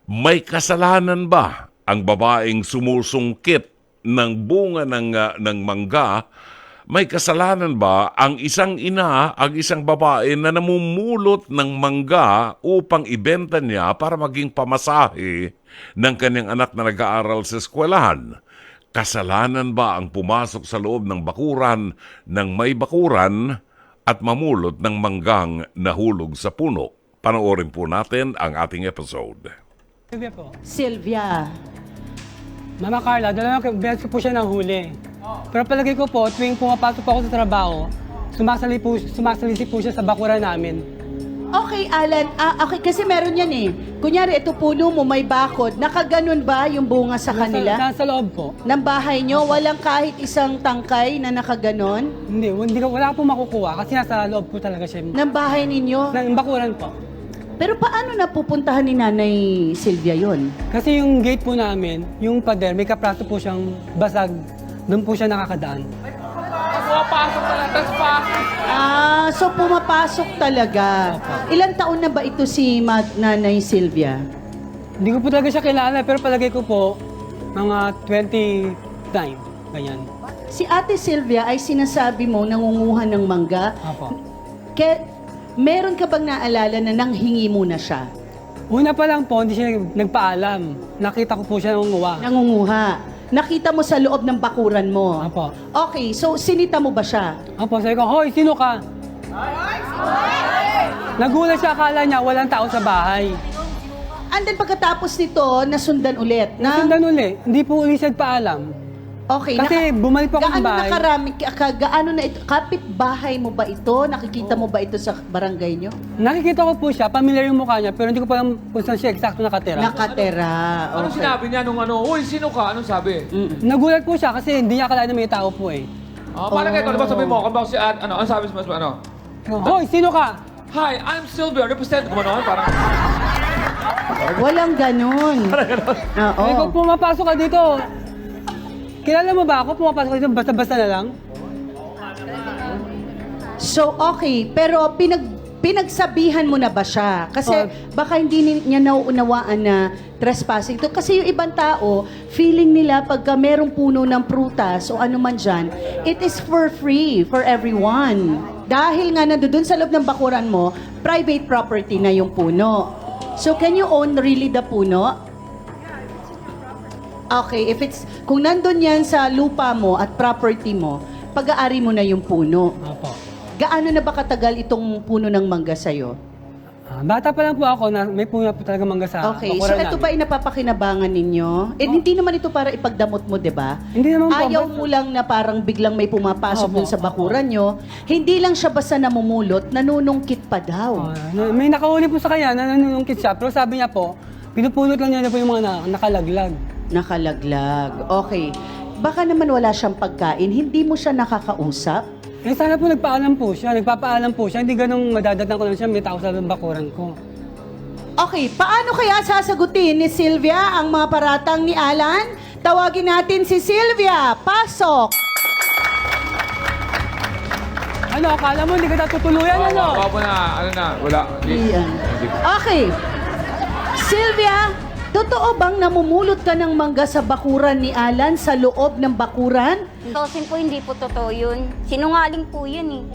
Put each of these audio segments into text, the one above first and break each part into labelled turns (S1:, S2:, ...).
S1: May kasalanan ba ang babaeng sumusungkit ng bunga ng mangga? May kasalanan ba ang isang ina, ang isang babae na namumulot ng mangga upang ibenta niya para maging pamasahe ng kanyang anak na nag-aaral sa eskwelahan? Kasalanan ba ang pumasok sa loob ng bakuran ng may bakuran at mamulot ng manggang nahulog sa puno? Panoorin po natin ang ating episode.
S2: Sylvia po.
S3: Sylvia.
S2: Mama Carla, dalawang beses ko po siya nahuli. Pero palagay ko po, tuwing pumapasok po ako sa trabaho, sumasalisi po siya sa bakuran namin.
S3: Okay, Alan. Okay, kasi meron yan eh. Kunyari, ito puno mo, may bakod. Nakaganon ba yung bunga sa kanila?
S2: Nasa loob po.
S3: Ng bahay nyo? Walang kahit isang tangkay na nakaganon?
S2: Wala po makukuha kasi nasa loob po talaga siya.
S3: Ng bahay ninyo?
S2: Ng bakuran po.
S3: Pero paano napupuntahan ni Nanay Sylvia yon?
S2: Kasi yung gate po namin, yung pader, may kapraso po siyang basag. Doon po siya nakakadaan.
S4: Pumapasok talaga, tas pasok.
S3: So pumapasok talaga. Ilang taon na ba ito si Nanay Sylvia?
S2: Hindi ko po talaga siya kilala, pero palagay ko po, mga 29, ganyan.
S3: Si Ate Sylvia ay sinasabi mo nangunguha ng mangga.
S2: Apo.
S3: Meron ka bang naalala na nanghingi mo na siya?
S2: Una pa lang po, hindi siya nagpaalam. Nakita ko po siya nangunguha.
S3: Nangunguha. Nakita mo sa loob ng bakuran mo.
S2: Apo.
S3: Okay, so sinita mo ba siya?
S2: Apo, sabi ko, hoy, sino ka? Nagulat siya, akala niya walang tao sa bahay.
S3: And then pagkatapos nito, nasundan ulit.
S2: Nasundan uli, hindi po uli siya nagpaalam.
S3: Okay.
S2: Kasi bumalik pa ako sa bahay.
S3: Gaano na ito? Kapit-bahay mo ba ito? Nakikita mo ba ito sa barangay nyo?
S2: Nakikita ko po siya, familiar yung mukha niya, pero hindi ko pa alam kung saan siya eksakto nakatira.
S3: Nakatera.
S4: Anong sinabi niya nung uy, sino ka? Anong sabi?
S2: Nagulat po siya kasi hindi niya akalain na may tao po eh.
S4: Parang kayo, ano ba sabi mo? Kung ba si ano sabi mo, ano?
S2: Hoy, sino ka?
S4: Hi, I'm Sylvia, represent ko ano? Parang,
S3: Walang ganun. Oo.
S2: Sabi ko, pumapasok ka dito. Kilala mo ba ako? Pumapasok ka dito, basta-basta na lang.
S3: So, okay. Pero pinagsabihan mo na ba siya? Kasi baka hindi niya nauunawaan na trespassing to. Kasi yung ibang tao, feeling nila pagka merong puno ng prutas o ano man dyan, it is for free for everyone. Dahil nga nandoon sa loob ng bakuran mo, private property na yung puno. So, can you own really the puno? Okay, kung nandun yan sa lupa mo at property mo, pag-aari mo na yung puno.
S2: Apo.
S3: Gaano na ba katagal itong puno ng mangga sa'yo?
S2: Bata pa lang po ako na may puno po talaga mangga sa
S3: Okay, so
S2: bakuran
S3: ito
S2: namin.
S3: ba ay napapakinabangan ninyo? Hindi naman ito para ipagdamot mo, di ba?
S2: Hindi naman po.
S3: Ayaw mo lang na parang biglang may pumapasok
S2: Opo,
S3: dun sa bakuran nyo. Hindi lang siya basta namumulot, nanunungkit pa daw.
S2: May nakahuli po sa kanya na nanunungkit siya, pero sabi niya po, pinupulot lang niya po yung mga nakalaglag.
S3: Nakalaglag. Okay. Baka naman wala siyang pagkain, hindi mo siya nakakausap?
S2: Eh sana po nagpaalam po siya, nagpapaalam po siya, hindi ganong madadatnan ko lang siya, may tao sa bakuran ko.
S3: Okay, paano kaya sasagutin ni Sylvia ang mga paratang ni Alan? Tawagin natin si Sylvia. Pasok!
S2: Ano, akala mo hindi ka natutuluyan, ano?
S4: Wala na, ano na, wala.
S3: Iyan. Okay. Sylvia, totoo bang namumulot ka ng mangga sa bakuran ni Alan sa loob ng bakuran?
S5: Tosin po, hindi po totoo yun. Sinungaling po yun eh.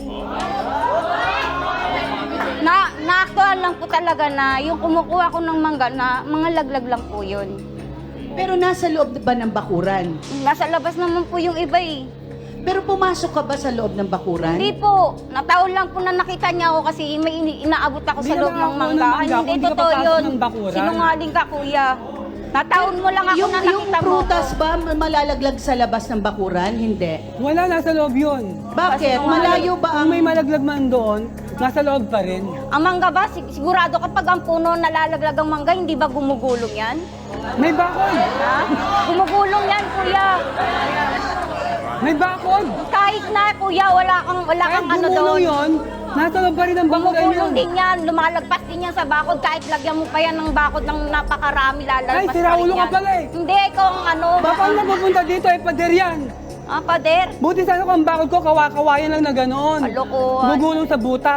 S5: Na-actual lang po talaga na yung kumukuha ko ng mangga na mga laglag lang po yun.
S3: Pero nasa loob ba ng bakuran?
S5: Nasa labas naman po yung iba eh.
S3: Pero pumasok ka ba sa loob ng bakuran?
S5: Hindi po. Nataon lang po na nakita niya ako kasi may inaabot ako sa
S2: Hindi
S5: loob
S2: naman
S5: ng
S2: ako
S5: mangga.
S2: ng mangga,
S5: Hindi
S2: kung di ka
S5: totoo
S2: papasok
S5: yun.
S2: ng bakuran.
S5: Sinungaling ka, kuya. Nataon mo lang ako
S3: yung
S5: na nakita mo.
S3: prutas ba malalaglag sa labas ng bakuran? Hindi.
S2: Wala, nasa loob yun.
S3: Bakit? Malayo ba ang...
S2: Kung may malaglag man doon, nasa loob pa rin.
S5: Ang mangga ba, sigurado kapag ang puno nalalaglag ang mangga, hindi ba gumugulong yan?
S2: May bakod!
S5: Ha? Gumugulong yan, kuya.
S2: May bakod!
S5: Kahit na, kuya, wala kang
S2: Kahit
S5: ano
S2: gumulong
S5: doon.
S2: yun, nasa loob pa rin ang bakuran yun.
S5: Gumugulong din yan, lumalagpas din yan sa bakod. Kahit lagyan mo pa yan ng bakod ng napakarami, lalagpas
S2: Ay,
S5: pa
S2: sira
S5: rin
S2: ulo ka
S5: yan.
S2: pala eh.
S5: Hindi, ikaw ang ano.
S2: Baka ang napupunta dito ay pader yan.
S5: Ah, pader?
S2: Buti sana kung ang bakod ko, kawayan lang na ganoon.
S5: Kalokohan.
S2: Gugulong sa butas.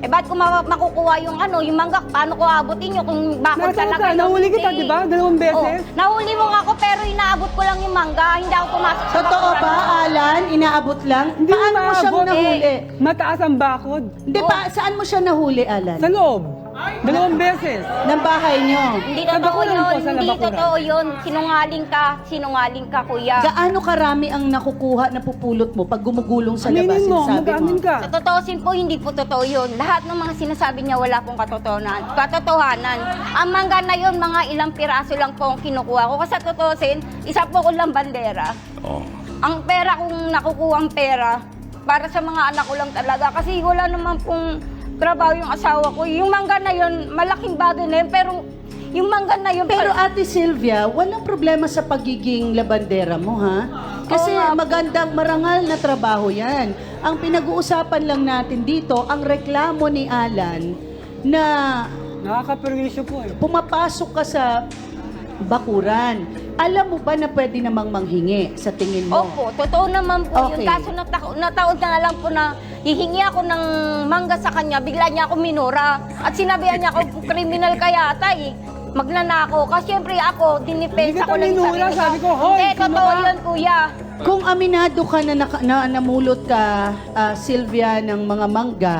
S5: Eh, ba't ko makukuha yung yung mangga? Paano ko abutin yun kung bakit
S2: Nasaan
S5: talaga
S2: ka?
S5: yung
S2: Nahuli kita,
S5: hindi?
S2: di ba? 2 beses.
S5: Oh, nahuli mo nga ako pero inaabot ko lang yung mangga. Hindi ako pumasok sa
S3: Totoo
S5: bakuran
S3: ba,
S5: mo.
S3: Alan? Inaabot lang?
S2: Hindi
S3: Paano mo siyang
S2: maabot,
S3: nahuli?
S2: Mataas ang bakod.
S3: Hindi pa, saan mo siya nahuli, Alan?
S2: Sa loob. 2 beses.
S3: Ng bahay niyo.
S5: Hindi
S2: Sa
S5: totoo
S2: bakuran
S5: yun.
S2: po, sa
S5: Hindi
S2: bakuran.
S5: totoo yun. Sinungaling ka, kuya.
S3: Gaano karami ang nakukuha, napupulot mo pag gumugulong sa labas?
S2: Aminin mo,
S3: Sinasabi
S2: mag-amin ka.
S5: Sa totoosin po, hindi po totoo yun. Lahat ng mga sinasabi niya, wala pong katotohanan. Ang mangga na yun, mga ilang piraso lang po ang kinukuha ko. Kasi sa totoosin, isa po ko lang bandera.
S1: Oh.
S5: Ang pera kung nakukuha ang pera, para sa mga anak ko lang talaga. Kasi wala naman pong trabaho yung asawa ko. Yung mangga na yun, malaking bagay na yun. Pero yung mangga na yun...
S3: Pero Ate Sylvia, walang problema sa pagiging labandera mo, ha? Kasi
S5: Oo nga po.
S3: magandang marangal na trabaho yan. Ang pinag-uusapan lang natin dito, ang reklamo ni Alan na
S2: Nakakaperwisyo po eh.
S3: pumapasok ka sa bakuran. Alam mo ba na pwede namang manghingi sa tingin mo?
S5: Opo, totoo naman po
S3: Okay.
S5: yun. Kaso nataon na lang po na hihingi ako ng mangga sa kanya, bigla niya ako minura. At sinabihan niya ako, kriminal ka yata eh. Magnanako. Kasi syempre ako, dinipensa
S2: Hindi
S5: ko
S2: kita
S5: lang yung
S2: minura,
S5: sarili ko.
S2: sabi ko, "Hoy,
S5: Hindi,
S2: sino
S5: totoo
S2: ka?"
S5: yun, kuya.
S3: Kung aminado ka na namulot ka, Sylvia, ng mga mangga,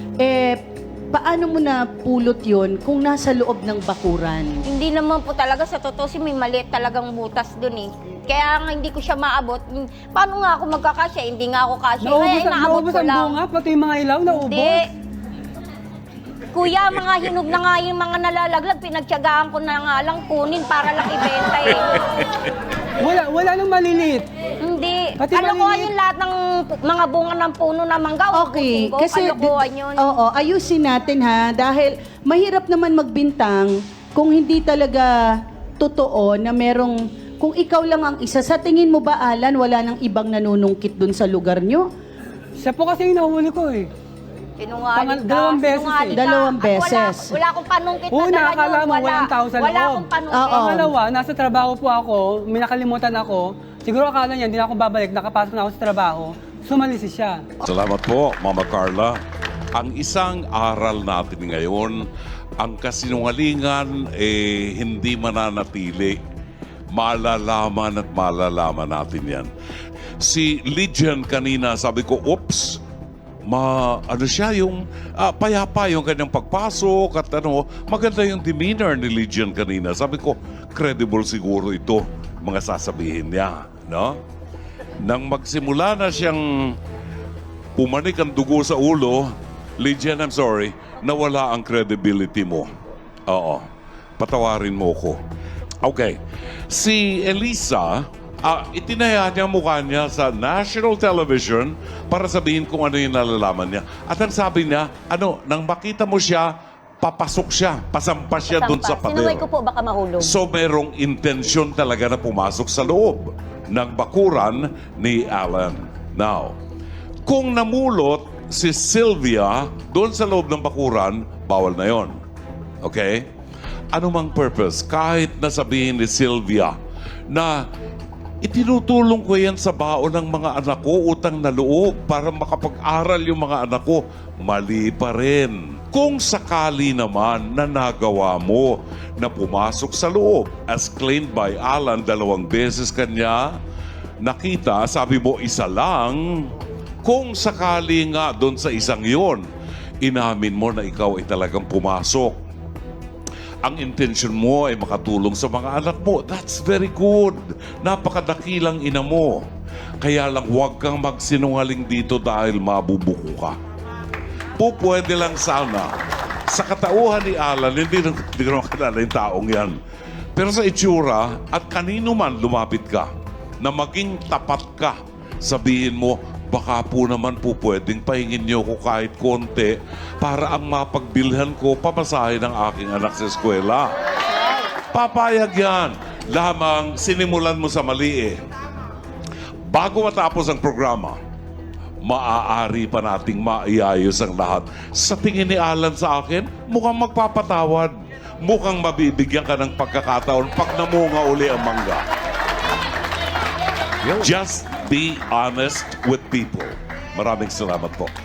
S3: paano mo na pulot yun kung nasa loob ng bakuran?
S5: Hindi naman po talaga sa totoo si may maliit talagang butas dun eh. Kaya nga hindi ko siya maabot. Paano nga ako magkakasya? Hindi nga ako kasya. Kaya inaabot
S2: Naubos
S5: ko
S2: ang
S5: lang.
S2: bunga, pati yung mga ilaw, naubos.
S5: Hindi. Kuya, mga hinog na nga yung mga nalalaglag. Pinagtyagaan ko na nga lang kunin para lang ibenta eh.
S2: Wala nang maliliit.
S5: Hindi.
S2: Pati
S5: Kalokohan
S2: maliliit.
S5: yung lahat ng mga bunga ng puno na mangga.
S3: Okay,
S5: Ubusin ko.
S3: kasi
S5: Kalokohan yun.
S3: oo, ayusin natin ha dahil mahirap naman magbintang kung hindi talaga totoo na merong kung ikaw lang ang isa. Sa tingin mo ba, Alan, wala nang ibang nanunungkit dun sa lugar nyo?
S2: Siya po kasi yung nahuli ko eh.
S5: Sinungaling ka.
S2: Dalawang beses
S5: sinungaling
S2: eh.
S5: ka.
S3: Dalawang
S5: At
S3: beses.
S5: Wala akong panungkit na
S2: Una,
S5: dala
S2: akala
S5: yun.
S2: mo walang tao sa
S5: Wala
S2: loob.
S5: akong panungkit.
S3: Oo.
S2: Pangalawa, nasa trabaho po ako, may nakalimutan ako. Siguro akala niya, hindi na ako babalik, nakapasok na ako sa trabaho. Sumalisi siya.
S1: Salamat po, Mama Carla. Ang isang aral natin ngayon, ang kasinungalingan hindi mananatili. Malalaman at malalaman natin yan. Si Lydian kanina, sabi ko, oops, ano siya, yung payapa yung kanyang pagpasok at maganda yung demeanor ni Lydian kanina. Sabi ko, credible siguro ito, mga sasabihin niya, no? Nang magsimula na siyang pumanik ang dugo sa ulo, Lydian, I'm sorry, nawala ang credibility mo. Oo, patawarin mo ko. Okay, si Elisa, itinaya niya mukha niya sa national television para sabihin kung ano yung nalalaman niya. At ang sabi niya, nang makita mo siya, papasok siya, pasampas siya dun sa
S5: Sinuway ko
S1: pader.
S5: po, baka mahulog.
S1: So merong intensyon talaga na pumasok sa loob ng bakuran ni Alan. Now, kung namulot si Sylvia doon sa loob ng bakuran, bawal na yon. Okay? Ano mang purpose, kahit nasabihin ni Sylvia na itinutulong ko yan sa baon ng mga anak ko, utang na loob, para makapag-aral yung mga anak ko, mali pa rin. Kung sakali naman na nagawa mo na pumasok sa loob, as claimed by Alan, 2 beses kanya nakita, sabi mo isa lang, kung sakali nga doon sa isang yon, inamin mo na ikaw ay talagang pumasok. Ang intention mo ay makatulong sa mga anak mo. That's very good. Napakadakilang ina mo. Kaya lang huwag kang magsinungaling dito dahil mabubuko ka. Pwede lang sana. Sa katauhan ni Alan, hindi ko naman kilala yung taong yan. Pero sa itsura, at kanino man lumapit ka, na maging tapat ka, sabihin mo, baka po naman po pwedeng pahingin niyo ko kahit konti para ang mapagbilhan ko pamasahe ng aking anak sa eskwela. Papayag yan. Lamang sinimulan mo sa mali eh. Bago matapos ang programa, maaari pa nating maiayos ang lahat. Sa tingin ni Alan sa akin, mukhang magpapatawad. Mukhang mabibigyan ka ng pagkakataon pag namunga uli ang mangga. Just be honest with people. Maraming salamat po.